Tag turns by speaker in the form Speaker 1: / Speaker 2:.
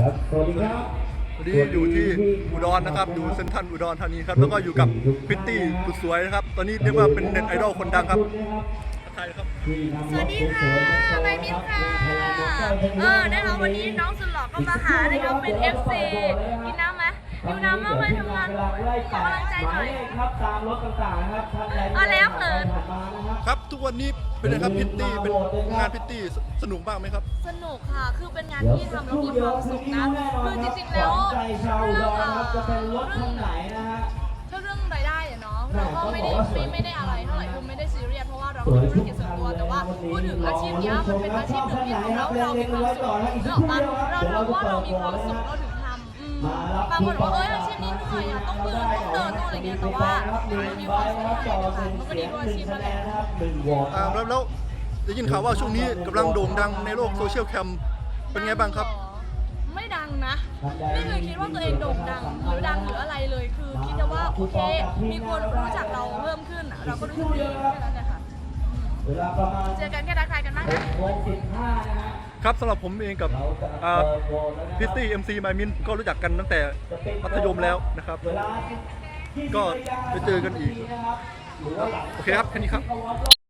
Speaker 1: ครับสวัสดีครับ
Speaker 2: วันนี้อยู่ที่อุดรนะครับอยู่เซ็นทรัลอุดรธานีครับแล้วก็อยู่กับพิตตี้สุดสวยนะครับตอนนี้เรียกว่าเป็นเน็ตไอดอลคนดังครับใครครับ
Speaker 3: สวัสดีค่ะใบมินค่ะนะคะวันนี้น้องสุดหล่อก็มาหานะคะเป็น FC กินน้ำไหมกินน้ำมากเลยทำงานขอกำลังใจหน่อย
Speaker 1: ครับตามรถต่างๆครับท่านใด
Speaker 3: แล้วเขิน
Speaker 2: ครับทุกวันนี้เป็นไงครับพิตตี้เป็นงานพิตตี้สนุกบ้างไหมครับ
Speaker 3: สนุกค่ะคือเป็นงานที่ทำแล้วมีความสุขนะคือจริงๆแล้วเรื่องรายได้เนาะเราก็ไม่ได้อะไรเท่าไหร่คือไม่ได้ซีเรียสเพราะว่าเราเป็นธุรกิจส่วนตัวแต่ว่าพูดถึงอาชีพนี้มันเป็นอาชีพหนึ่งที่ทำแล้วเรามีความสุขเรื่องว่าเราว่าเรามีความสุขเราถึงทำบางคนบอกว่าอาชีพนี้เหนื่อยต้องเดินต้องอะไรเงี้ยแต่ว่ามันมีความสุขในการทำมันก็ดีกว่าอาชีพนั่นแหละ
Speaker 2: แล้วได้ยินข่าวว่าช่วงนี้กำลังโด่งดังในโลกโซเชียลแคมเป็นไงบ้างครับ
Speaker 3: ไม่ดังนะไม่เคยคิดว่าตัวเองโด่งดังหรือดังหรืออะไรเลยคือคิดว่าโอเคมีคนรู้จักเราเพิ่มขึ้นเราก็รู้สึกดีแค่นั้นแหละค่ะเจอกันแค่ทักทายกันบ้าง
Speaker 2: นะครับสำหรับผมเองกับพิตตี้MC ไมมินก็รู้จักกันตั้งแต่มัธยมแล้วนะครับก็ไปเจอกันอีกโอเคครับแค่นี้ครับ